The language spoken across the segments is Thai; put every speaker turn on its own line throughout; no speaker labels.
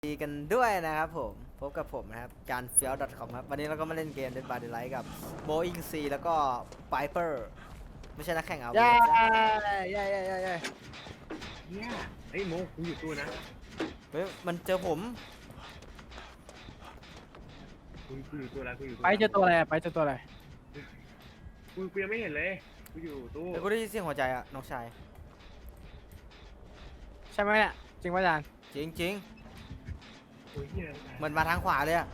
ดีกันด้วยนะครับผมพบกับผมนะครับจานเฟียว .com ครับวันนี้เราก็มาเล่นเกม Dead by Daylight กับ Boeing C แล้วก็ Piper ไม่ใช่นักแข่งเอา
เย้
นะ
เย้
เนี่ยไอ้โมกูอยู่ตู้นะ
เฮ้ยมันเจอผม
กูอยู่ตู้แล้วกูอยู่ตู้
ไปเจอตัวอะไรไปเจอตัวอะไร
กูยังไม่เห็นเลยกูอยู่ตู้
แต่กูได้ยินเสียงหัวใจอะน้องชาย
ใช่ไหมเนี่ยจริงป่ะอาจารย์
จริง
โอ้ยเหี้ย
ๆเหมือนมาทางขวาเลยอะ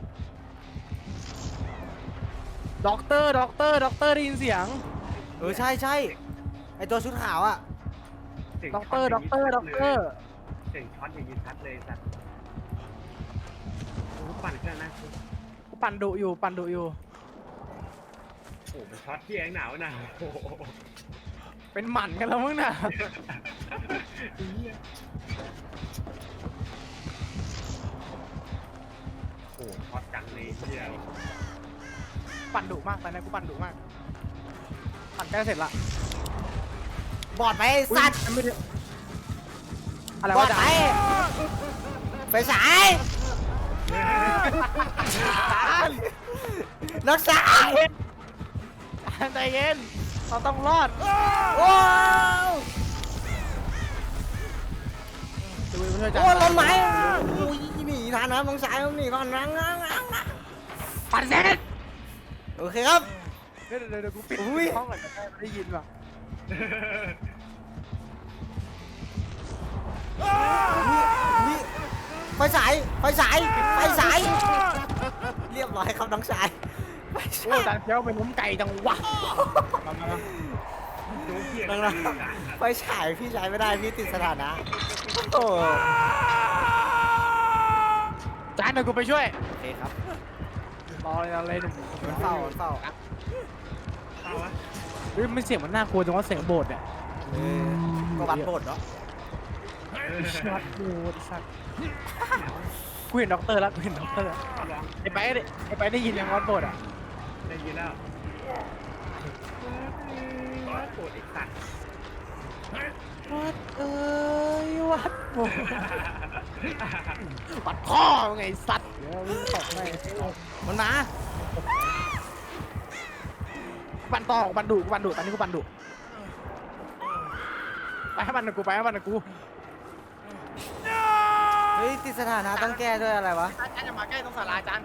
ด็อกเตอร์ได้ยินเสียง
ใช่ไอตัวชุดขาวอะ
สียง
ด็อกเตอร์
เสียงช็อตอย่างนี้ชัดเลยสัตว์กูปั่นเครื่องนะ
กูปั่นดุอยู่
โอ้มันช็อตที่แองหนาวนะโอ้โห
เป็นหมันกันแล้วมึงน่ะ
เหี้ยโอ้ช็อตจังเลยเหี้ย
ปั่นดุมากตอนนี้กูปั่นดุมากปั่นใกล้เสร็จละ
บอดไปไอ้สัตว์
อุ๊ยไม่ได้อะไร
บอ
วะ
ด
อาจา
ไป
รย์
ไปสายน้องชาย
ใจเย็นเราต้องรอด
โอ้
ดูไปเพื่อนอาจาร
โอ้
ย์
ลมไม้อุ้ยหนีทันนะน้องชายต้องหนีก่อนนะ
ปั่นเสร็จ
โอเคครับ
เดี๋ยวกูปิด
อุ๊ย
ห้องก่อนจะได้ยินป่ะ
นี่ไฟฉายเรียบร้อยครับน้องชายไฟ
โอ้
ฉาย
อาจารย์เฟี้ยวเป็นล้มไก่จังวะมา
โน้เหี้ย
น้องไฟฉายพี่ใช้ไม่ได้พี่ติดสถานะโอ้
อาจารย์เดี๋ยวกูไปช่วย
โอเคครับ
รอเลยหนุ่ม
มันเฝ้า
เข้าวะ
เฮ้ยมันเสียงมันน่ากลัวจังว่าเสียงโบสถ์เนี่ย
ก็วัดโบดเนาะ
ช็อตโบสถ์สัตว์กูเห็นด็อกเตอร์แล้วกูเห็นด็อกเตอร์แล้ว
ลอง
ไอ้ไปได้ยินยังวัดโบสถ์อ่ะ
ได้ยินแล้วโกรธไอ้สัตว์
วัดเอ้ยวัดโบสถ์วัดพ่อไงสัตว์เดี๋ยวมึงตกไป
มันมา
ปั่นต่อปั่นดุตอนนี้กูปั่นดุไปให้มันกับกู
เฮ้ยติดสถานะต้องแก้ด้วยอะไรวะ
อาจารย์จะมาใกล้ตรงศาลาอาจารย์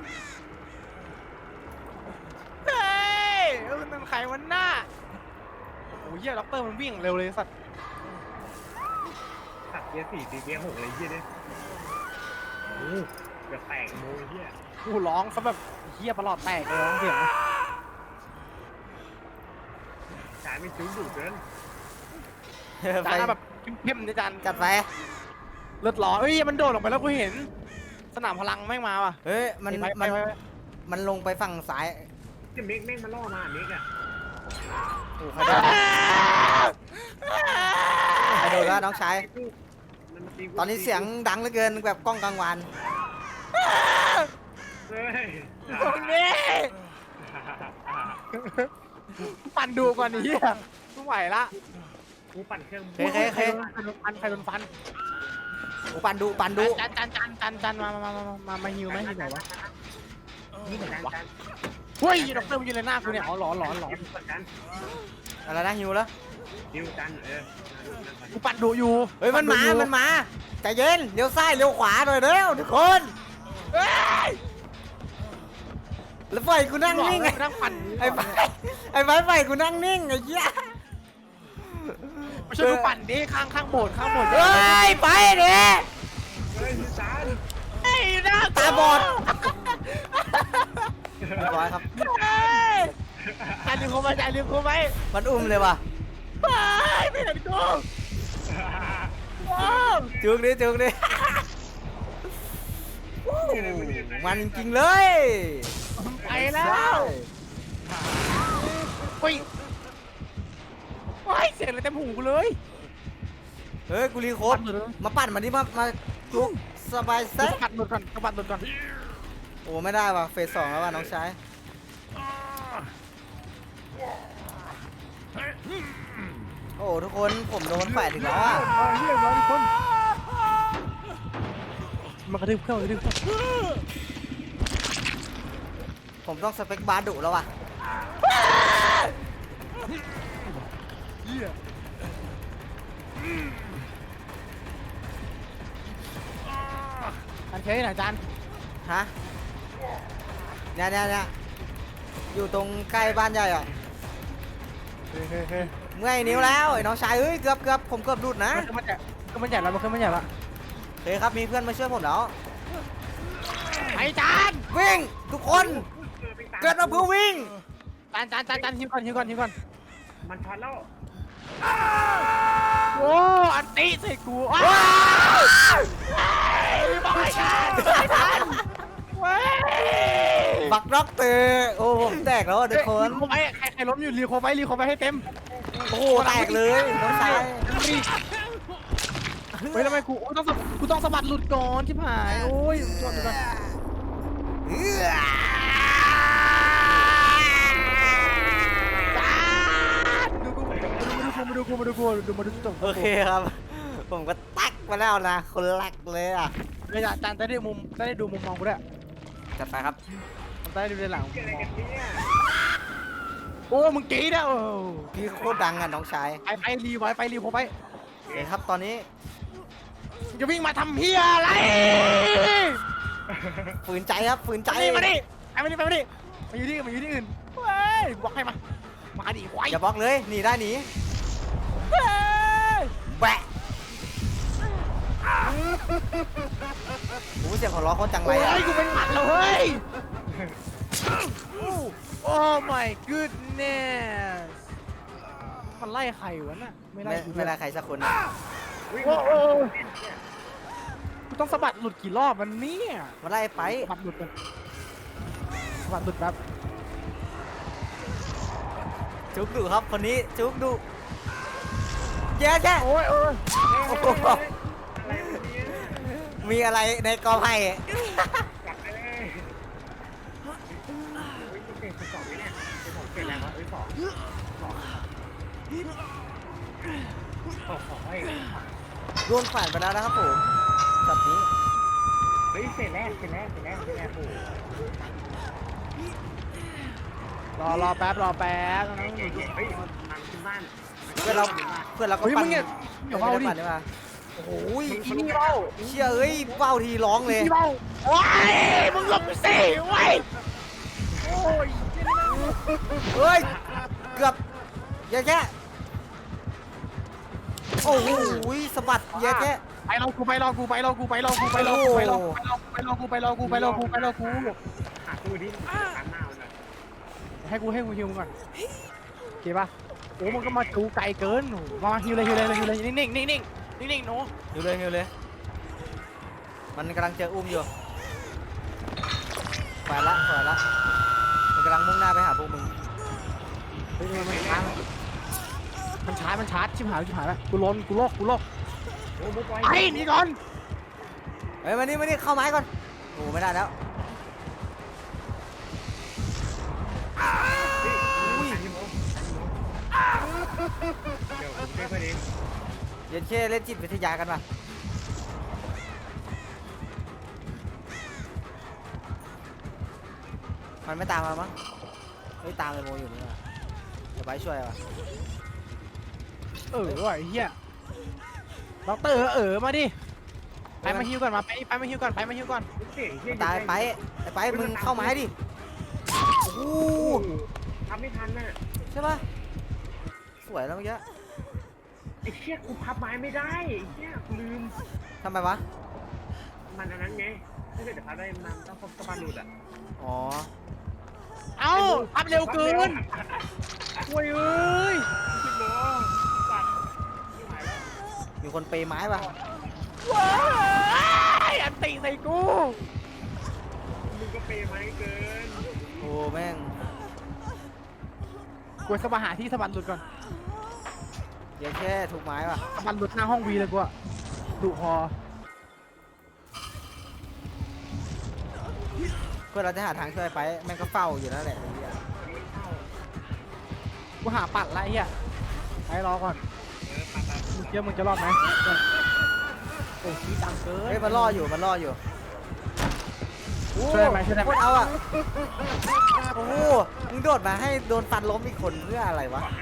เฮ้ยนั่นใครวันหน้าโอ้ยเหี้ยด็อกเตอร์มันวิ่งเร็วเลยสัตว์
สัตว์เกียร์4ตีเกียร์6เลยเหี้ยเนี่ยโอ้เกือบแตกโมยเหี้ย
กูร้องซะแบบเหี้ยประหลอดแตกเลยร้องเสียง
สายไม่ซึ้งดุเกิน
ไฟ
จานแบบเข้มๆนะจาน
จัดไฟ
เลือดร้อนเอ้ยมันโดดลงไปแล้วกูเห็น สนามพลังแม่งมาว่ะ
เฮ้ยมันลงไปฝั่งซ้าย
จะเมกแม่งมาล่อมาเมกอะ
โอ้ใครโดนแล้วน้องชายตอนนี้เสียงดังเหลือเกินแบบกล้องกลางวัน
เฮ้ย
ตรงนี้ปั่นดูก่อนไอ้เหี้ยไม่ไหวละ
กูปั่นเครื่อง
เฮ้ย
ใครโดนฟัน
โอ้ปันดู
จานมาฮิวไหมฮิวไหนวะ
นี่เหมือนกัน
เฮ้ยด็อกเตอร์มันยืนเลยหน้ากูเนี่ยอ๋อหลอน
กัน
อะไรนะฮิวแล้ว
ดิวกัน
กูปั่นดูอยู่
เฮ้ยมันมาใจเย็นเลี้ยวซ้ายเลี้ยวขวาหน่อยเร็วทุกคน
เฮ้ย
แล้วปล่อยกูนั่งนิ่ง
นั่งปั่น
ไอ้ไฟปล่อยกูนั่งนิ่งไอ้เหี้ย
ไม่ใช่กูปั่นดิข้างโบสถ์
เฮ้ยไปดิ
เฮ้ยจาน
ไอ้หน้า
ตาบอดเรียบร้อยครับ
จานลืมกูไหม
มันอุ้มเลยว่ะ
ไม่เห็นกู
จุกดิมันจริงเลย
ไปแล้วเฮ้ยเสียงอะไรเต็มหูกูเลย
เฮ้ยกูรีโค้ดมาปั่นมาดิมาจุกสบายเซ็
ปั่นหลุดก่อน
โอ้ไม่ได้ว่ะเฟส 2แล้วว่ะน้องชายโอ้ทุกคนผมโดนแฝดอีกแล้วอ่ะ
เฮียมาทุกคนมันกระทืบเครื่องมันกระทืบเครื่อง
ผมต้องสเปคบาร์ดุแล้วว่ะ
เหี้ยอันเคยไหนจาน
ฮะเนี่ยอยู่ตรงใกล้บ้านใหญ่อ่ะ
เฮ้ย
เมื่อยนิ้วแล้วไอ้น้องชายเอ้ยเกือบผมเกือบหลุดนะ
มันใหญ่แล้วมันใหญ่ละ
เฮ้ยครับมีเพื่อนมาช่วยผมแล้ว
ไอ้จาน
วิ่งทุกคนเกิดมาเพื่อวิ่ง
จานหิวก่อน
มันช็อตแล้ว
โอ้อันติใส่กูว้าวบอกให้จานเว้ย
บักด็อกเตอร์โอ้ผมแตกแล้วอะทุกคน
รีโคไปใครล้มอยู่รีโคไปให้เต็ม
โอ้โหแตกเลยน้องชาย
เฮ้ยทำไมกูต้องสะบัดหลุดก่อนชิบหายโอ้ยจอดดูก่อน
เอื้อ
มาดูจบ
โอเคครับ ผมก็ตักมาแล้วนะคนแรกเลยอ่ะ
เลยจานได้ดูมุมมองกูด้วย
จัดไปครับ
ได้ดูในหลัง
เกิดอะไรกันเนี่ย
โอ้มึงกรี๊ดอ่ะ
พี่โคตรดังอ่ะน้องชาย
ไปรีโคไป
โอเคครับตอนนี้
จะวิ่งมาทำเฮียอะไร
ฝืนใจครับฝืนใจ
มาดิมาอยู่ที่อื่นเฮ้ยบอกให้มาดิควาย
อย่าบล็อกเลยหนีได้หนีแบะโอ้เสียงหัวเราะโคตรจังไร
โอ้
อ่ะ
ยกูเป็นหมัดแล้วเฮ้ยโอ้ my goodness มันไล่ใครวะน่ะไม่ไล่
ไม่ได้ใครสักคนนะ
โอ้กูต้องสะบัดหลุดกี่รอบมันเนี่ย
มาไล่ไป
สะบัดหลุดแบบ
จุกดุครับคนนี้จุกดุแย่แย่
โอ้ย
โอ้โห
อะไรวะเนี่ย
มีอะไรในกอไผ่
จับไปเลยโอ้ยจะเป็นสองไหมเนี่ยเป็นของเกิดแล้วเอ้ยสองเฮ้ย
โดนผ่านไปแล้วนะครับผมช็อตนี้
เฮ้ยเสร็จแล้วโอ้โห
รอแป๊บ
เฮ้ยทางขึ้นบ้าน
เพื่อนเราก็
เฮ้ย
ปั่
มึ
น
งเนี่ยอย่าเบาดิ
ปั่นได้ปะโอ้โห
อีนี่เบา
เชี่ยเอ้ยเบ้าทีร้องเลย
อีนี่เบาโอ้ยมึงหลบสิเว้ยโอ้ย
เฮ้ยเกือบแย่แค่โอ้โหสะบัดแย่แค่
ไปรอกู
หาตู้ดิการหน้าเลย
ให้กูฮิวมึงก่อนโอเคป่ะโอ้มึงก็มาจูไกลเกินมาฮิวเลยนิ่งหนู
หิวเลยมันกำลังเจออุ้มอยู่ฝ่ายละมันกำลังมุ่งหน้าไปหาพวกมึง
เฮ้ยมันชาร์จชิบหายแล้วกูโลก
โอ้บุ๊กไว้
ไอ้นี่ก่อน
เฮ้ยมานี่เข้าไม้ก่อนโอ้ไม่ได้แล้ว
อุ้ยเดี๋ยวผมช่วยเพื่อนเอง
เย็นเช่เล่นจิตวิทยากันป่ะมันไม่ตามมามั้งเฮ้ยตามเลยโมอยู่นี่ว่ะเดี๋ยวไปช่วยว่ะ
ว่ะไอ้เหี้ยด็อกเตอร์มาดิไปมาฮิวก่อนไปมาฮิวก่อน
เสียงเฮีย
ตายไปมึงเข้าไม้ดิโอ้โห
ทำไม่ทันน่ะ
ใช่ป่ะสวยแล้วเมื่อกี้
ไอ้เชี่ยกูพับไม้ไม่ได้ไอ้เชี่ยกูลืม
ทำไมวะ
มันอันนั้นไงถ้าเกิดจะพับได้มันต้องสะบัดหลุดอ่ะ
อ๋อ
เอ้าอัพเร็วเกินโอ้ยเอ้ย
คิดโลสัตว์ไม่ไหวแล้ว
มีคนเปย์ไม้ป่ะ
ว้ายอันติใส่กู
มึงก็เปย์ไม้เกิน
โอ้แม่ง
กูสะบัดหาที่สะบัดหลุดก่อน
เย็นแค่ถูกไม้ป่ะ
สะบัดหลุดหน้าห้องวีเลยกูอะดุพอ
เพื่อเราจะหาทางช่วยไปแม่งก็เฝ้าอยู่นั่นแหละไอ้เหี้ย
กูหาปัดไรเหี้ยไปรอก่อนมึงเชื่อมึงจะรอดไหมโอ้ยดังเกิน
เฮ้ยมันล่ออยู่โอ้
ช่วยได้ไหมช่วยได้ไหม
โคตรเอาอ่ะโอ้โหมึงโดดมาให้โดนฟันล้มอีกคนเพื่ออะไรวะ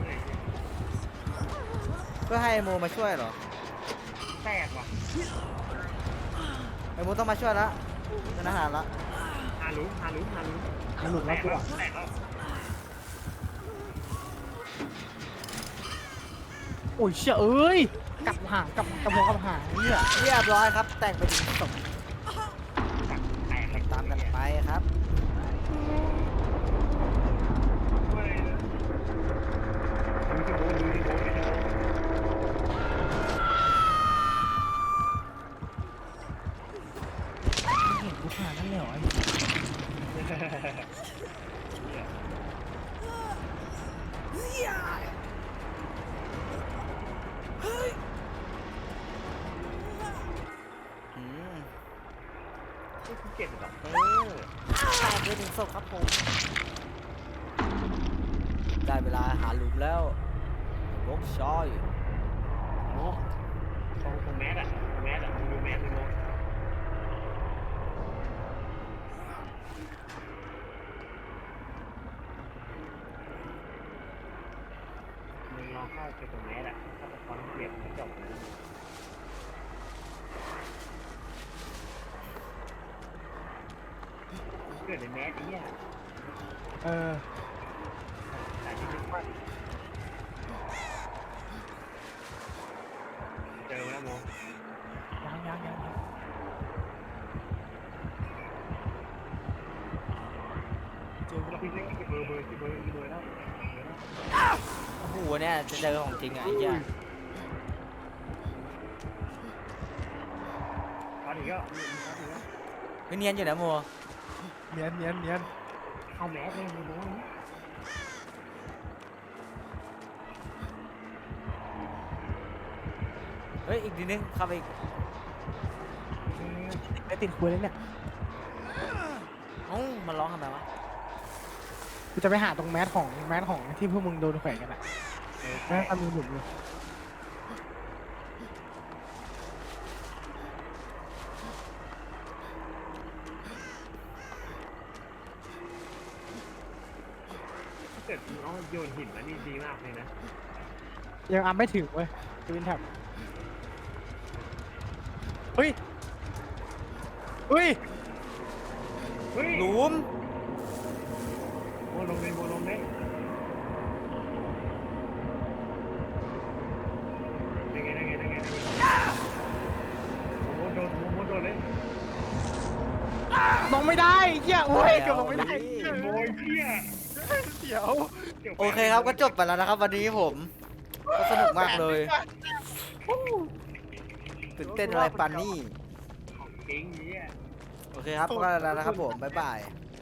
เพื่อให้ไอ้โมมาช่วยเหรอ
แตกว่ะ
ไอ้โมต้องมาช่วยละเป็นอาหารละ
ฮารุ
มันหลุดแล้วกูอะ
แตกแล้ว
โอ้ยเชี่ยเอ้ยกลับห่างกลับหัวกลับหางเนี่ย
เรียบร้อยครับ แต่งไปถึงศพ
แตกเลย
ตามกันไปครับ
เห็นกูผ่านนั่นเลยเหรอไอ้
อืม
เก็บดอกเตอร์
แต่งไปถึงศพครับผม ได้เวลาหาหลุมแล้วลกชอย
โอ้ตรงแมสอะมึงดูแมสเลยโมมึงลองเข้าไปตรงแมสอะถ้าตะคอนเปลี่ยนมันจบเกิดในแมสไอ้เนี่ย
เออ
แต่ที่เป็นว่าเจอแล้วโม
ยังเจอกูแล้ว
พี่เล่นเบอร์แล้ว
โอ้โหเนี่ยจะเจอของจริงอ่ะไอ้เหี้ย
ช็อตอีกแล้ว
ไม่เนียนอยู่นะโม
เนียน
เข้าแมสเลยโม
เฮ้ยอีกทีนึงเข้าไปอีก
ไม่ติดคุยเลยเนี่ย
เอ้ามันร้องทำไมวะ
กูจะไปหาตรงแมสของที่พวกมึงโดนแขวนกันอะแม่งมีหลุมอยู่
ถ้าเกิดน้องโยนหินมานี่ดีมากเลยนะ
ยังอัพไม่ถึงเว้ยทวินแท็บเฮ้ย
เฮ้ย
หลุม
โมลงเลยได้ไงโมโดนเลย
ลงไม่ได้เหี้ยโอ้ยเกือบลงไม่ได้
โมยเพี้ย
เดี๋ยว
โอเคครับก็จบไปแล้วนะครับ วันนี้ผมก็สนุกมากเลยตื่นเต้นอะไรปันนี่
ของจริงเนี่ย
โอเคครับก็แล้วนะครับผมบ๊ายบาย